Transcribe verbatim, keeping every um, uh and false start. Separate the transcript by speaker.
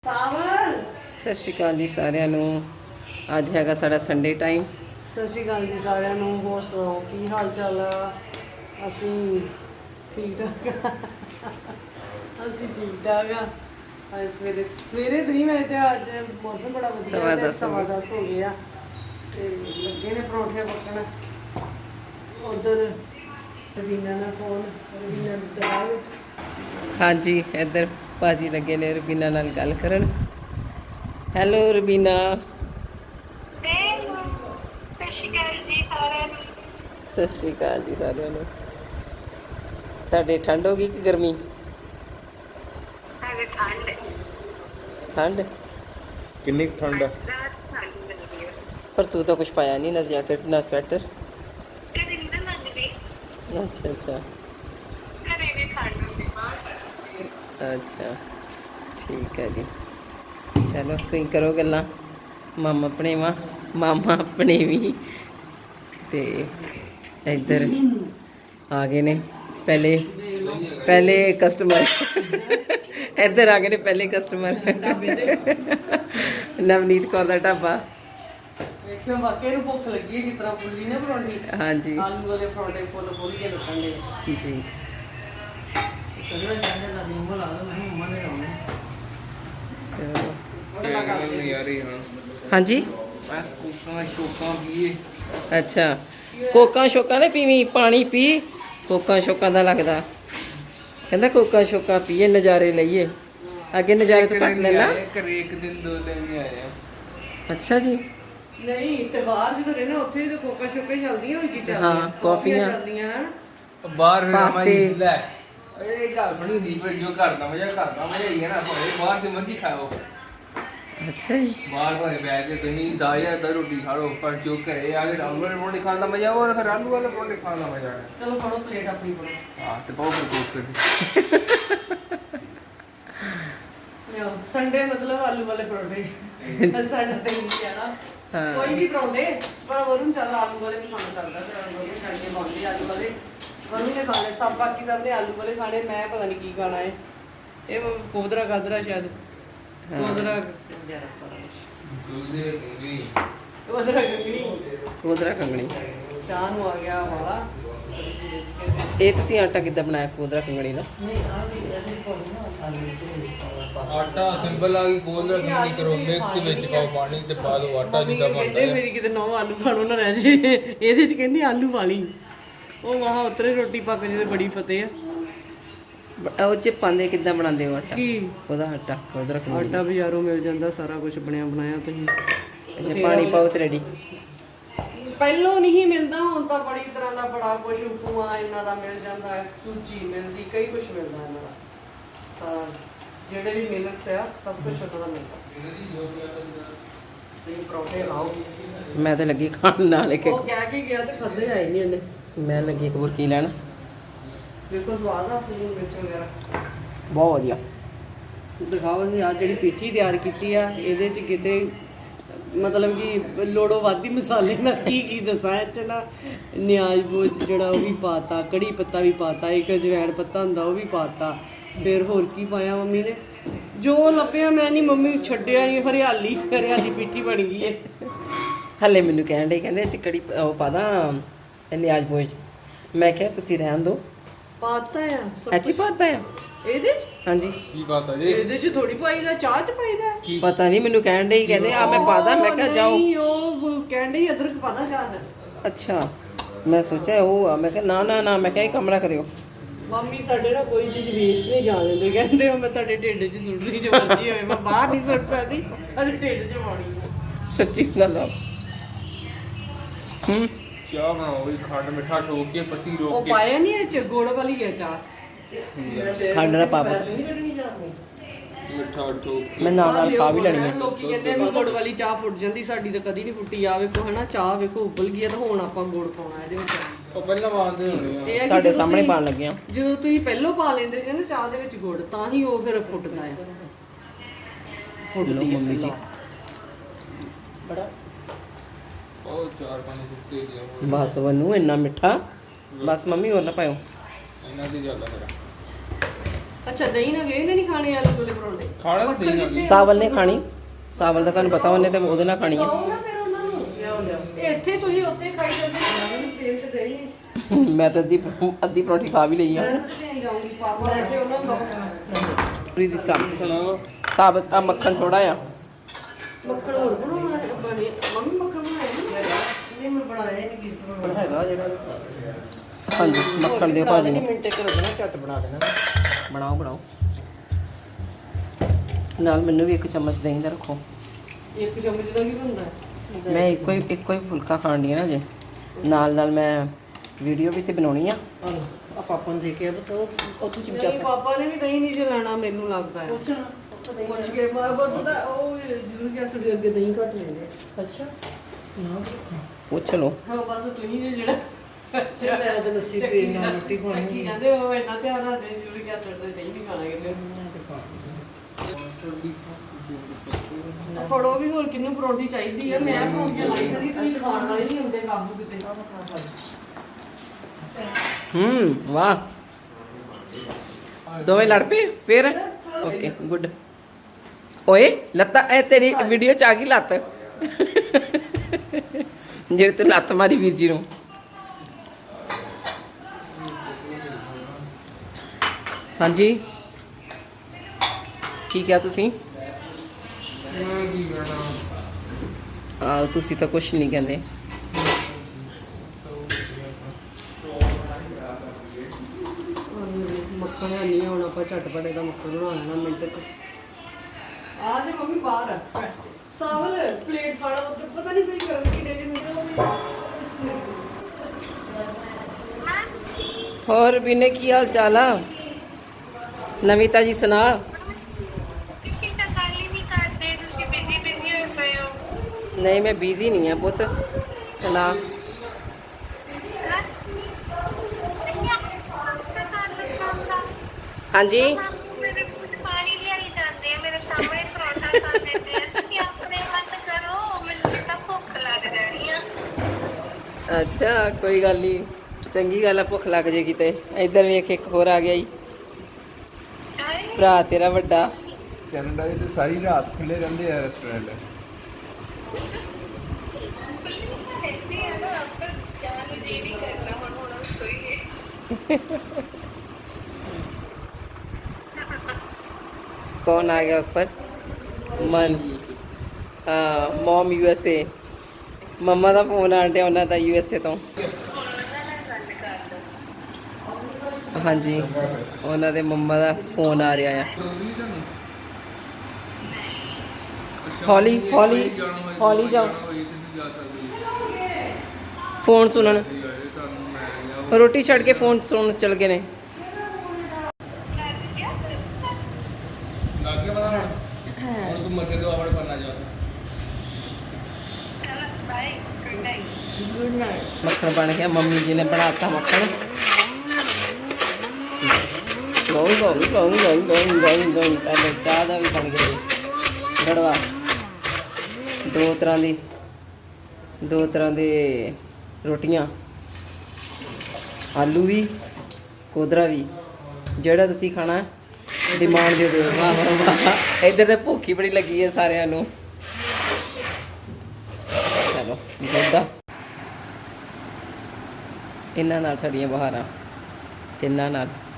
Speaker 1: ਸਤਿ ਸ਼੍ਰੀ ਅਕਾਲ ਜੀ ਸਾਰਿਆਂ ਨੂੰ। ਅੱਜ ਹੈਗਾ ਸਾਡਾ ਸੰਡੇ ਟਾਈਮ।
Speaker 2: ਸਤਿ ਸ਼੍ਰੀ ਅਕਾਲ ਜੀ ਸਾਰਿਆਂ ਨੂੰ। ਹੋਰ ਸੁਣਾਓ ਕੀ ਹਾਲ ਚਾਲ ਆ? ਅਸੀਂ ਠੀਕ ਠਾਕ ਆ। ਅਸੀਂ ਠੀਕ ਠਾਕ ਆ। ਅੱਜ ਸਵੇਰੇ ਸਵੇਰੇ ਤਰੀ ਮੈਂ ਤੇ ਅੱਜ ਮੌਸਮ ਬੜਾ ਵਧੀਆ
Speaker 1: ਸਵਾ
Speaker 2: ਤੇ
Speaker 1: ਦਸ
Speaker 2: ਸਵਾ ਦਸ ਹੋ ਗਿਆ ਤੇ ਲੱਗੇ ਨੇ ਪਰੌਂਠੇ ਪੱਕਣ। ਉਧਰ ਰਵੀਨਾ ਦਾ ਫੋਨ, ਰਵੀਨਾ ਦੀ ਦਵਾ ਵਿੱਚ।
Speaker 1: ਹਾਂਜੀ, ਇੱਧਰ ਭਾਜੀ ਲੱਗੇ ਨੇ ਰਬੀਨਾ ਨਾਲ ਗੱਲ ਕਰਨ। ਹੈਲੋ ਰਬੀਨਾ।
Speaker 3: ਸਤਿ ਸ਼੍ਰੀ ਅਕਾਲ ਜੀ ਸਾਰਿਆਂ ਨੂੰ।
Speaker 1: ਸਤਿ ਸ਼੍ਰੀ ਅਕਾਲ ਜੀ ਸਾਰਿਆਂ ਨੂੰ। ਤੁਹਾਡੇ ਠੰਡ ਹੋ ਗਈ ਕਿ ਗਰਮੀ?
Speaker 3: ਹਾਲੇ ਠੰਡ ਹੈ।
Speaker 1: ਠੰਡ
Speaker 4: ਕਿੰਨੀ ਕੁ ਠੰਡ ਆ?
Speaker 3: ਰਾਤ ਠੰਡ ਲੱਗਦੀ ਹੈ
Speaker 1: ਪਰ ਤੂੰ ਤਾਂ ਕੁਝ ਪਾਇਆ ਨਹੀਂ, ਨਾ ਜੈਕਟ ਨਾ ਸਵੈਟਰ।
Speaker 3: ਤੇ ਦਿਨ ਤਾਂ ਲੱਗਦੀ
Speaker 1: ਅੱਛਾ ਅੱਛਾ
Speaker 3: ਘਰੇ ਵੀ ਠੰਡ ਹੁੰਦੀ ਬਾਹਰ।
Speaker 1: ਅੱਛਾ ਠੀਕ ਹੈ ਜੀ। ਚਲੋ ਤੁਸੀਂ ਕਰੋ ਗੱਲਾਂ। ਮਾਮਾ ਆਪਣੇ ਵਾ ਮਾਮਾ ਆਪਣੇ ਵੀ ਤੇ ਇੱਧਰ ਆ ਗਏ ਨੇ ਪਹਿਲੇ ਪਹਿਲੇ ਕਸਟਮਰ। ਇੱਧਰ ਆ ਗਏ ਨੇ ਪਹਿਲੇ ਕਸਟਮਰ, ਨਵਨੀਤ ਕੌਰ ਦਾ ਢਾਬਾ।
Speaker 2: ਵੇਖਿਓ ਵਾਕਿਆ ਨੂੰ ਭੁੱਖ ਲੱਗੀ ਹੈ, ਕਿਸ ਤਰ੍ਹਾਂ ਫੁੱਲੀ ਨਾ ਪਰੌਂਠੀ।
Speaker 1: ਹਾਂਜੀ
Speaker 2: ਆਲੂ ਵਾਲੇ ਪਰੌਂਠੇ ਫੁੱਲ ਫੁੱਲ ਕੇ ਲੱਗਣ ਦੇ।
Speaker 1: ਜੀ।
Speaker 2: ਕਦੋਂ ਜਾਂਦੇ ਦਾ ਨਿੰਮੋ ਲਾ ਦੋ, ਮੈਂ ਮੰਮਾ ਨੇ ਲਾਉਣੇ।
Speaker 1: ਚਲੋ
Speaker 4: ਯਾਰੀ ਹਾਂ
Speaker 1: ਹਾਂਜੀ।
Speaker 4: ਮੈਂ ਕੋਕਾਂ ਸ਼ੋਕਾਂ ਪੀਏ।
Speaker 1: ਅੱਛਾ ਕੋਕਾਂ ਸ਼ੋਕਾਂ ਦੇ ਪੀਵੀਂ, ਪਾਣੀ ਪੀ। ਕੋਕਾਂ ਸ਼ੋਕਾਂ ਦਾ ਲੱਗਦਾ, ਕਹਿੰਦਾ ਕੋਕਾਂ ਸ਼ੋਕਾਂ ਪੀਏ, ਨਜ਼ਾਰੇ ਲਈਏ। ਅੱਗੇ ਨਜ਼ਾਰੇ ਤੋਂ ਘੱਟ ਲੈਣਾ।
Speaker 4: ਘਰੇ ਇੱਕ ਦਿਨ ਦੋ ਦਿਨ ਨਹੀਂ ਆਇਆ।
Speaker 1: ਅੱਛਾ ਜੀ।
Speaker 2: ਨਹੀਂ ਤੇ ਬਾਹਰ ਜਦੋਂ ਰਹਿਣਾ ਉੱਥੇ ਵੀ ਤਾਂ ਕੋਕਾ ਸ਼ੋਕਾ ਹੀ ਚੱਲਦੀਆਂ, ਹੋਈ ਕੀ ਚੱਲਦੀਆਂ?
Speaker 1: ਹਾਂ, ਕੌਫੀਆਂ
Speaker 2: ਚੱਲਦੀਆਂ ਹਨ।
Speaker 4: ਬਾਹਰ ਫਿਰ
Speaker 1: ਪਾਸਤੇ।
Speaker 4: ਲੈ ਇਹ ਗੱਲ ਸੁਣੀ ਦੀ ਪਰ ਜੋ ਘਰ ਦਾ ਮਜ਼ਾ ਘਰ ਦਾ ਮਜ਼ਾ ਹੀ ਹੈ ਨਾ। ਭਾਵੇਂ ਬਾਹਰ ਦੀ ਮਰਜ਼ੀ ਖਾਓ,
Speaker 1: ਅੱਛਾ ਜੀ।
Speaker 4: ਬਾਹਰ ਭਾਵੇਂ ਬੈਠ ਕੇ ਤੁਸੀਂ ਦਸ ਹਜ਼ਾਰ ਦਾ ਰੋਟੀ ਖਾ ਲਓ, ਪਰ ਜੋ ਘਰੇ ਆ ਕੇ ਆਲੂ ਵਾਲੇ ਪਰੌਂਠੇ ਖਾਣ ਦਾ ਮਜ਼ਾ ਉਹ ਫਿਰ ਆਲੂ ਵਾਲੇ ਪਰੌਂਠੇ ਖਾਣ ਦਾ ਮਜ਼ਾ ਹੈ।
Speaker 2: ਚਲੋ ਫੜੋ ਪਲੇਟ ਆਪਣੀ ਫੜੋ।
Speaker 4: ਹਾਂ ਤੇ ਬਹੁਤ ਕੁਝ ਫਿਰ
Speaker 2: ਲਿਓ ਸੰਡੇ ਮਤਲਬ ਆਲੂ ਵਾਲੇ ਪਰੌਂਠੇ। ਸਾਡਾ ਤੇ ਨਹੀਂ ਆਣਾ ਕੋਈ ਵੀ ਪਰੌਂਠੇ, ਪਰ ਵਰੁਣ ਜ਼ਿਆਦਾ ਆਲੂ ਵਾਲੇ ਪਸੰਦ ਕਰਦਾ ਤੇ ਵਰੁਣ ਕਰਕੇ ਬਣਦੀ ਆਲੂ ਵਾਲੇ। ਵਰੁਣ ਨੇ ਖਾਣੇ ਸਭ, ਬਾਕੀ ਸਭ ਨੇ ਆਲੂ ਵਾਲੇ ਖਾਣੇ। ਮੈਂ ਪਤਾ ਨਹੀਂ ਕੀ ਖਾਣਾ ਹੈ। ਇਹ ਕੋਦਰਾ ਕਾਦਰਾ ਸ਼ਾਇਦ ਕੋਦਰਾ ਜਿਆਦਾ ਸਾਰਾ
Speaker 4: ਦੂਜੇ ਕੰਗੀ
Speaker 2: ਕੋਦਰਾ ਕੰਗਣੀ
Speaker 1: ਕੋਦਰਾ ਕੰਗਣੀ।
Speaker 2: ਚਾਹ ਨੂੰ ਆ ਗਿਆ ਵਾਲਾ।
Speaker 1: ਇਹ ਤੁਸੀਂ ਆਟਾ ਕਿੱਦਾਂ ਬਣਾਇਆ ਕੋਦਰਾ ਕੰਗਣੀ ਦਾ?
Speaker 2: ਨਹੀਂ ਆ ਵੀ ਇਹਦੇ ਕੋਲ ਨਾ ਆਲੂ
Speaker 4: ਆਟਾ ਸਿੰਪਲ ਆ ਗਈ ਕੋਲ ਰੱਖਣੀ ਕਰੋ, ਮਿਕਸ ਵਿੱਚ ਪਾਓ ਪਾਣੀ ਤੇ ਪਾ ਦਿਓ ਆਟਾ ਜਿੱਦਾਂ ਬਣਦਾ
Speaker 2: ਕਹਿੰਦੇ
Speaker 4: ਹੈ।
Speaker 2: ਮੇਰੀ ਕਿਤੇ ਨੌ ਆਲੂ ਖਾਣੋਂ ਨਾ ਰਹਿ ਜੇ। ਇਹਦੇ ਚ ਕਹਿੰਦੀ ਆਲੂ ਵਾਲੀ। ਉਹ ਵਾਹ ਉਤਰੇ ਰੋਟੀ ਪੱਕ ਜੇ ਤੇ ਬੜੀ ਫਤਿਹ ਆ।
Speaker 1: ਬ- ਉਹ ਚ ਪਾਉਂਦੇ ਕਿੱਦਾਂ ਬਣਾਉਂਦੇ ਹੋ ਆਟਾ?
Speaker 2: ਕੀ
Speaker 1: ਉਹਦਾ ਆਟਾ ਕੋਦਰਾ ਕੰਗਣੀ।
Speaker 2: ਆਟਾ ਬਾਜ਼ਾਰੋਂ ਮਿਲ ਜਾਂਦਾ ਸਾਰਾ ਕੁਝ ਬਣਿਆ ਬਣਾਇਆ। ਤੁਸੀਂ
Speaker 1: ਅੱਛਾ ਪਾਣੀ ਪਾਓ ਤੇ ਰੈਡੀ।
Speaker 2: ਪਹਿਲੋਂ ਨਹੀਂ ਮਿਲਦਾ, ਹੁਣ ਤਾਂ ਬੜੀ ਤਰ੍ਹਾਂ ਦਾ ਬੜਾ ਕੁਝ ਉਪਮਾ ਇਹਨਾਂ ਦਾ ਮਿਲ ਜਾਂਦਾ, ਸੂਜੀ ਮਿਲਦੀ, ਕਈ ਕੁਝ ਮਿਲਦਾ ਇਹਨਾਂ ਦਾ। ਸਾਰਾ ਜਿਹੜੇ ਵੀ ਮਿਲਕਸ ਆ ਸਭ ਕੁਝ ਉਹਨਾਂ ਦਾ ਮਿਲਦਾ। ਤੁਸੀਂ ਪਰੌਂਠੇ ਲਾਓ।
Speaker 1: ਮੈਂ ਤਾਂ ਲੱਗੀ ਖਾਣ ਨਾਲ ਇੱਕ।
Speaker 2: ਉਹ ਕਹਿ ਕੇ ਗਿਆ ਤੇ ਖਾਦੇ ਆਏ ਨਹੀਂ ਇਹਨੇ।
Speaker 1: ਮੈਂ ਲੱਗੀ ਇੱਕ ਬੁਰਕੀ ਲੈਣ।
Speaker 2: ਦੇਖੋ ਸਵਾਦ ਆ ਫੂਲ ਵਿੱਚ ਵਗੈਰਾ
Speaker 1: ਬਹੁਤ ਵਧੀਆ।
Speaker 2: ਦਿਖਾਓ ਜੀ ਆ ਜਿਹੜੀ ਪੀਠੀ ਤਿਆਰ ਕੀਤੀ ਆ, ਇਹਦੇ ਚ ਕਿਤੇ ਮਤਲਬ ਕਿ ਲੋੜੋਂ ਵੱਧ ਹੀ ਮਸਾਲੇ ਨਾ ਕੀ ਕੀ ਦੱਸਾਂ। ਇਹ ਚ ਨਾ ਨਿਆਜ਼ ਬੋਝ ਜਿਹੜਾ ਉਹ ਵੀ ਪਾਤਾ, ਕੜੀ ਪੱਤਾ ਵੀ ਪਾਤਾ, ਇੱਕ ਅਜਵਾਇਣ ਪੱਤਾ ਹੁੰਦਾ ਉਹ ਵੀ ਪਾਤਾ। ਫਿਰ ਹੋਰ ਕੀ ਪਾਇਆ ਮੰਮੀ ਨੇ? ਜੋ ਲੱਭਿਆ ਮੈਂ ਨਹੀਂ ਮੰਮੀ ਛੱਡਿਆ ਨਹੀਂ। ਹਰਿਆਲੀ ਹਰਿਆਲੀ ਪੀਠੀ ਬਣ ਗਈ ਹੈ।
Speaker 1: ਹਲੇ ਮੈਨੂੰ ਕਹਿਣ ਦੇ ਕਹਿੰਦੇ ਚਿਕੜੀ ਉਹ ਪਾਦਾ ਨਿਆਜ ਬੋਝ। ਮੈਂ ਕਿਹਾ ਤੁਸੀਂ ਰਹਿਣ ਦਿਓ।
Speaker 2: ਪਾਤਾ ਆ ਸਭ
Speaker 1: ਅੱਛੀ ਪਾਤਾ ਆ
Speaker 2: ਇਹਦੇ ਚ।
Speaker 1: ਹਾਂਜੀ।
Speaker 4: ਕੀ ਬਾਤ ਹੈ ਜੀ?
Speaker 2: ਇਹਦੇ ਚ ਥੋੜੀ ਪਾਈਦਾ, ਚਾਹ ਚ ਪਾਈਦਾ।
Speaker 1: ਪਤਾ ਨਹੀਂ ਮੈਨੂੰ ਕਹਿਣ ਦੇ ਹੀ ਕਹਿੰਦੇ ਆ ਮੈਂ ਪਾਦਾ। ਮੈਂ ਕਿਹਾ ਜਾਓ।
Speaker 2: ਨਹੀਂ ਉਹ ਕਹਿੰਦੇ ਹੀ ਅਦਰਕ ਪਾਦਾ ਚਾਹ ਚ।
Speaker 1: ਅੱਛਾ ਮੈਂ ਸੋਚਿਆ ਉਹ ਆ। ਮੈਂ ਕਿਹਾ ਨਾ ਨਾ ਨਾ, ਮੈਂ ਕਿਹਾ ਇਹ ਕਮਲਾ ਕਰਿਓ।
Speaker 2: ਮੰਮੀ ਸਾਡੇ ਨਾਲ ਕੋਈ ਚੀਜ਼ ਵੇਸਟ ਨਹੀਂ ਜਾਣ ਦਿੰਦੇ। ਕਹਿੰਦੇ ਉਹ ਮੈਂ ਤੁਹਾਡੇ ਢਿੱਡ 'ਚ ਸੁੱਟ ਰਹੀ ਜੋ ਮਰਜ਼ੀ ਹੋਵੇ, ਮੈਂ ਬਾਹਰ ਨਹੀਂ ਸੁੱਟ ਸਕਦੀ, ਤੁਹਾਡੇ ਢਿੱਡ 'ਚ ਪਾਉਣੀ ਆ।
Speaker 1: ਸੱਚੀ ਗੱਲ ਆ। ਹੂੰ
Speaker 4: ਚਾਹ ਬਣਾਓ ਵੀ ਖੰਡ ਮਿੱਠਾ ਠੋਕ ਕੇ ਪੱਤੀ
Speaker 2: ਉਹ
Speaker 4: ਰੋਕ ਕੇ
Speaker 2: ਪਾਇਆ ਨਹੀਂ ਇਹ 'ਚ ਗੁੜ ਵਾਲੀ ਹੈ ਚਾਹ।
Speaker 1: ਖੰਡ ਨਾ ਪਾ ਪਾ।
Speaker 2: ਨਹੀਂ ਕੱਢਣੀ ਚਾਹ ਆਪਣੀ।
Speaker 4: ਮਿੱਠਾ ਠੋਕ
Speaker 1: ਮੈਂ ਨਾਲ ਨਾਲ ਖਾ ਵੀ ਲੈਣੀ ਆ।
Speaker 2: ਲੋਕੀ ਕਹਿੰਦੇ ਵੀ ਗੁੜ ਵਾਲੀ ਚਾਹ ਫੁੱਟ ਜਾਂਦੀ, ਸਾਡੀ ਤਾਂ ਕਦੀ ਨਹੀਂ ਫੁੱਟੀ। ਆ ਵੇਖੋ ਹਨਾ, ਚਾਹ ਵੇਖੋ ਉਬਲ ਗਈ ਹੈ ਤਾਂ ਹੁਣ ਆਪਾਂ ਗੁੜ ਪਾਉਣਾ ਇਹਦੇ ਵਿੱਚ।
Speaker 4: ਉਹ ਪਹਿਲਾਂ ਵਾਂਦੇ ਹੋਣੇ ਆ।
Speaker 2: ਇਹ ਹੈ ਕਿ
Speaker 1: ਤੁਹਾਡੇ
Speaker 2: ਜਦੋਂ
Speaker 1: ਸਾਹਮਣੇ
Speaker 2: ਤੁਸੀਂ-
Speaker 1: ਪਾਣ ਲੱਗੇ ਆ।
Speaker 2: ਜਦੋਂ ਤੁਸੀਂ ਪਹਿਲੋਂ ਪਾ ਲੈਂਦੇ ਜੇ ਨਾ ਚਾਹ ਦੇ ਵਿੱਚ ਗੁੜ, ਤਾਂ ਹੀ ਉਹ ਫਿਰ ਫੁੱਟਦਾ ਹੈ।
Speaker 1: ਲਓ
Speaker 2: ਫੁੱਟਦੀ ਹੈ
Speaker 1: ਮੰਮੀ ਜੀ।
Speaker 2: ਬੜਾ
Speaker 4: ਉਹ ਚਾਰ ਪੰਜ ਕੁੱਤੇ ਦੀਆਂ
Speaker 1: ਬਸ ਵਨੂੰ ਇੰਨਾ ਮਿੱਠਾ। ਬਸ ਮੰਮੀ ਹੋਰ ਨਾ ਪਾਇਓ।
Speaker 4: ਇਹਨਾਂ ਦੀ ਗੱਲ ਆ ਮੇਰਾ।
Speaker 2: ਅੱਛਾ ਦਹੀਂ ਨਾਲ ਗਏ ਨੇ ਨਹੀਂ ਖਾਣੇ ਆਲੂ ਵਾਲੇ ਪਰੌਂਠੇ
Speaker 4: ਖਾਣਾ ਤਾਂ ਦਹੀਂ ਨਾਲ।
Speaker 1: ਸਾਵਲ ਨੇ ਖਾਣੀ, ਸਾਵਲ ਦਾ ਤੁਹਾਨੂੰ ਪਤਾ ਉਹਨੇ ਤੇ ਉਹਦੇ ਨਾਲ ਖਾਣੀ ਹੈ।
Speaker 2: ਆਓ ਨਾ ਫਿਰ ਉਹਨਾਂ ਨੂੰ ਲਿਆਓ ਲਿਆਓ ਇਹ ਇੱਥੇ ਤੁਸੀਂ ਉੱਥੇ ਖਾਈ ਜਾਂਦੇ ਮੈਨੂੰ ਤੇਲ ਤੇ ਦਹੀਂ
Speaker 1: ਮੈਂ ਤਾਂ ਅੱਧੀ ਅੱਧੀ ਪਰੌਂਠੀ ਖਾ ਵੀ ਲਈ ਆ।
Speaker 2: ਮੈਂ ਤੇ ਨਹੀਂ ਜਾਊਂਗੀ ਪਾਪਾ ਲੈ ਕੇ ਉਹਨਾਂ ਨੂੰ ਦੋ
Speaker 1: ਪੂਰੀ ਦੀ ਸਾਬਤ ਸਾਬਤ ਆ ਮੱਖਣ ਥੋੜਾ ਆ।
Speaker 2: ਮੱਖਣ ਹੋਰ ਬਣਾਉਣਾ ਹੈ ਬਣੇ ਮੰਮੀ ਮੱਖਣ ਬਣਾਇਆ ਨਹੀਂ ਮੈਂ ਬਣਾਇਆ ਨਹੀਂ ਕੀਤਾ ਹੈਗਾ ਜਿਹੜਾ
Speaker 1: ਹਾਂਜੀ ਮੱਖਣ ਦਿਓ ਭਾਜੀ ਨੂੰ।
Speaker 2: ਮਿੰਟੇ ਕਰੋ ਨਾ ਝੱਟ ਬਣਾ ਦੇਣਾ
Speaker 1: ਬਣਾਓ ਬਣਾਓ। ਨਾਲ ਮੈਨੂੰ ਵੀ ਇੱਕ ਚਮਚ ਦਹੀਂ ਦਾ ਰੱਖੋ।
Speaker 2: ਇੱਕ ਚਮਚ ਦਾ ਕੀ ਬਣਦਾ ਹੈ?
Speaker 1: ਮੈਂ ਇੱਕੋ ਹੀ ਇੱਕੋ ਹੀ ਫੁਲਕਾ ਖਾਣ ਦੀ ਨਾ ਜੇ ਨਾਲ ਨਾਲ ਮੈਂ ਵੀਡੀਓ ਵੀ ਤੇ ਬਣਾਉਣੀ ਆ।
Speaker 2: ਆ ਪਾਪਾ ਨੂੰ ਦੇ ਕੇ ਬਤਾ ਉੱਥੇ ਚਮਚਾ ਨਹੀਂ ਪਾਪਾ ਨੇ ਵੀ ਦਹੀਂ ਨਹੀਂ ਚਲਾਣਾ ਮੈਨੂੰ ਲੱਗਦਾ ਹੈ ਪੁੱਛਣਾ ਪੁੱਛ ਕੇ ਬਾਬਾ ਪਤਾ ਉਹ ਜ਼ਰੂਰ ਕਿ ਅਸੜੀ ਅੱਗੇ ਦਹੀਂ ਘੱਟ ਲੈਂਦੇ ਅੱਛਾ ਨਾ
Speaker 1: ਪੁੱਛ ਲਓ।
Speaker 2: ਹਾਂ ਬਸ ਤੁਸੀਂ ਨੇ ਜਿਹੜਾ ਅੱਛਾ ਮੈਂ ਤਾਂ ਲੱਸੀ ਪੀਣ ਨਾਲ ਰੋਟੀ ਖਾਣੀ ਕਹਿੰਦੇ ਉਹ ਇੰਨਾ ਧਿਆਨ ਰੱਖਦੇ ਜ਼ਰੂਰ ਕਿ ਅਸੜ ਤੇ ਦਹੀਂ ਨਹੀਂ ਖਾਣਾ ਕਿਤੇ ਫੜੋ ਵੀ ਹੋਰ ਕਿੰਨੂੰ ਪਰੌਂਠੀ ਚਾਹੀਦੀ ਹੈ ਮੈਂ ਪਰੌਂਠੀਆਂ ਲਾਈ ਖੜੀ ਤੁਸੀਂ ਖਾਣ ਵਾਲੇ ਨਹੀਂ ਹੁੰਦੇ ਕਾਬੂ ਕਿਤੇ
Speaker 1: ਹੂੰ ਵਾਹ ਦੋਵੇਂ ਲੜ ਪਏ ਫਿਰ ਓਕੇ ਗੁੱਡ। ਓਏ ਲੱਤਾ ਇਹ ਤੇਰੀ ਵੀਡੀਓ ਚ ਆ ਗਈ ਲੱਤ ਜਿਹੜੀ ਤੂੰ ਲੱਤ ਮਾਰੀ ਵੀਰ ਜੀ ਨੂੰ। ਹਾਂਜੀ ਕੀ ਕਿਹਾ ਤੁਸੀਂ?
Speaker 4: ਮੈਂ ਕੀ ਕਰਨਾ
Speaker 1: ਆ ਤੁਸੀਂ ਤਾਂ ਕੁਛ ਨਹੀਂ ਕਹਿੰਦੇ।
Speaker 2: ਮੱਖਣ ਹੈ ਨਹੀਂ ਹੁਣ ਆਪਾਂ ਝਟਪਟੇ ਦਾ ਮੱਖਣ ਬਣਾ ਲੈਣਾ ਮਿੰਟ ਚ ਆ ਜੇ ਮੰਮੀ ਬਾਹਰ ਆ ਸਾਵਲ ਪਲੇਟ ਫਾੜਾ ਉੱਤੇ ਪਤਾ ਨਹੀਂ ਕੋਈ ਕਰਨ ਕਿਹੜੇ ਜੇ ਮੈਨੂੰ
Speaker 1: ਹੋਰ ਬਿਨੇ ਕੀ ਹਾਲ ਚਾਲ ਆ? ਨਵੀਤਾ ਜੀ ਸੁਣਾ।
Speaker 3: ਤੁਸੀਂ ਤਾਂ ਗੱਲ ਹੀ ਨਹੀਂ ਕਰਦੇ, ਤੁਸੀਂ ਬਿਜ਼ੀ ਬਿਜ਼ੀ ਹੋਏ ਪਏ ਹੋ।
Speaker 1: ਨਹੀਂ ਮੈਂ ਬਿਜ਼ੀ ਨਹੀਂ ਆ ਪੁੱਤ ਸੁਣਾ।
Speaker 3: ਬਸ ਤੁਸੀਂ ਆਪਣਾ ਕੰਮ ਕਰਨਾ।
Speaker 1: ਹਾਂਜੀ
Speaker 3: ਮਾਮੂ ਮੇਰੇ ਪੁੱਤ ਪਾਣੀ ਲਿਆਈ ਜਾਂਦੇ ਆ, ਮੇਰੇ ਸਾਹਮਣੇ ਪਰੌਂਠਾ ਖਾ ਦਿੰਦੇ ਆ। ਤੁਸੀਂ ਆਪਣੇ ਹੱਥ ਕਰੋ, ਮੈਨੂੰ ਵੀ ਤਾਂ ਭੁੱਖ ਲੱਗ ਜਾਣੀ ਆ।
Speaker 1: ਅੱਛਾ ਕੋਈ ਗੱਲ ਨਹੀਂ ਚੰਗੀ ਗੱਲ ਆ ਭੁੱਖ ਲੱਗ ਜੇ ਕਿਤੇ। ਇੱਧਰ ਵੇਖ ਇੱਕ ਹੋਰ ਆ ਗਿਆ ਈ
Speaker 3: ਹਾਏ
Speaker 1: ਭਰਾ ਤੇਰਾ ਵੱਡਾ।
Speaker 4: ਕੈਨੇਡਾ ਵਿੱਚ ਤੇ ਸਾਰੀ ਰਾਤ ਖੁੱਲੇ ਰਹਿੰਦੇ ਆ ਰੈਸਟੋਰੈਂਟ।
Speaker 3: ਪੁਲਿਸ ਤਾਂ ਰਹਿੰਦੀ ਆ ਨਾ, ਪਰ ਜਾਣ ਨੂੰ ਜੀ ਨਹੀਂ ਕਰਦਾ ਹੁਣ ਹੁਣ ਸੋਈਏ।
Speaker 1: कौन आ गया ऊपर? मन हाँ मॉम यू एस ए ਮੰਮਾ ਦਾ ਫੋਨ ਆਣ ਡਿਆ ਉਹਨਾਂ ਦਾ ਯੂ ਐਸ ਏ ਤੋਂ।
Speaker 3: ਹੁਣ ਉਹਨਾਂ ਨਾਲ ਗੱਲ ਕਰ ਲਓ।
Speaker 1: ਹਾਂਜੀ ਉਹਨਾਂ ਦੇ ਮੰਮਾ ਦਾ ਫੋਨ ਆ ਰਿਹਾ ਆ। ਹੌਲੀ ਹੌਲੀ ਹੌਲੀ ਜਾਓ ਫੋਨ ਸੁਣਨ। ਰੋਟੀ ਛੱਡ ਕੇ ਫੋਨ ਸੁਣਨ ਚਲ ਗਏ ਨੇ।
Speaker 3: ਲੱਗ ਗਿਆ
Speaker 4: ਲੱਗ ਗਿਆ ਪਤਾ ਹੁਣ ਹੁਣ ਤੂੰ ਮੱਥੇ ਤੋਂ ਆਵੜ ਕਰਨਾ ਜਾ
Speaker 3: ਚਲੋ ਬਾਏ ਗੁੱਡ ਨਾਈਟ।
Speaker 1: ਮੱਖਣ ਬਣ ਗਿਆ ਮੰਮੀ ਜੀ ਨੇ ਬਣਾਤਾ ਮੱਖਣ। ਗੋਲ ਗੋਲ ਗੋਲ ਗੋਲ ਗੋਲ ਗੋਲ ਗੋਲ ਪਹਿਲੇ ਚਾਹ ਦਾ ਵੀ ਬਣ ਗਿਆ ਜੀ ਗੜਵਾ। ਦੋ ਤਰ੍ਹਾਂ ਦੀ ਦੋ ਤਰ੍ਹਾਂ ਦੇ ਰੋਟੀਆਂ ਆਲੂ ਵੀ ਕੋਦਰਾ ਵੀ ਜਿਹੜਾ ਤੁਸੀਂ ਖਾਣਾ ਡਿਮਾਂਡ ਦੇ ਦਿਓ। ਵਾਹ ਵਾਹ ਵਾਹ ਇੱਧਰ ਤੇ ਭੁੱਖ ਹੀ ਬੜੀ ਲੱਗੀ ਹੈ ਸਾਰਿਆਂ ਨੂੰ। ਚਲੋ ਦੁੱਧਾ ਇਹਨਾਂ ਨਾਲ ਸਾਡੀਆਂ ਬਹਾਰਾਂ ਤਿੰਨਾਂ ਨਾਲ।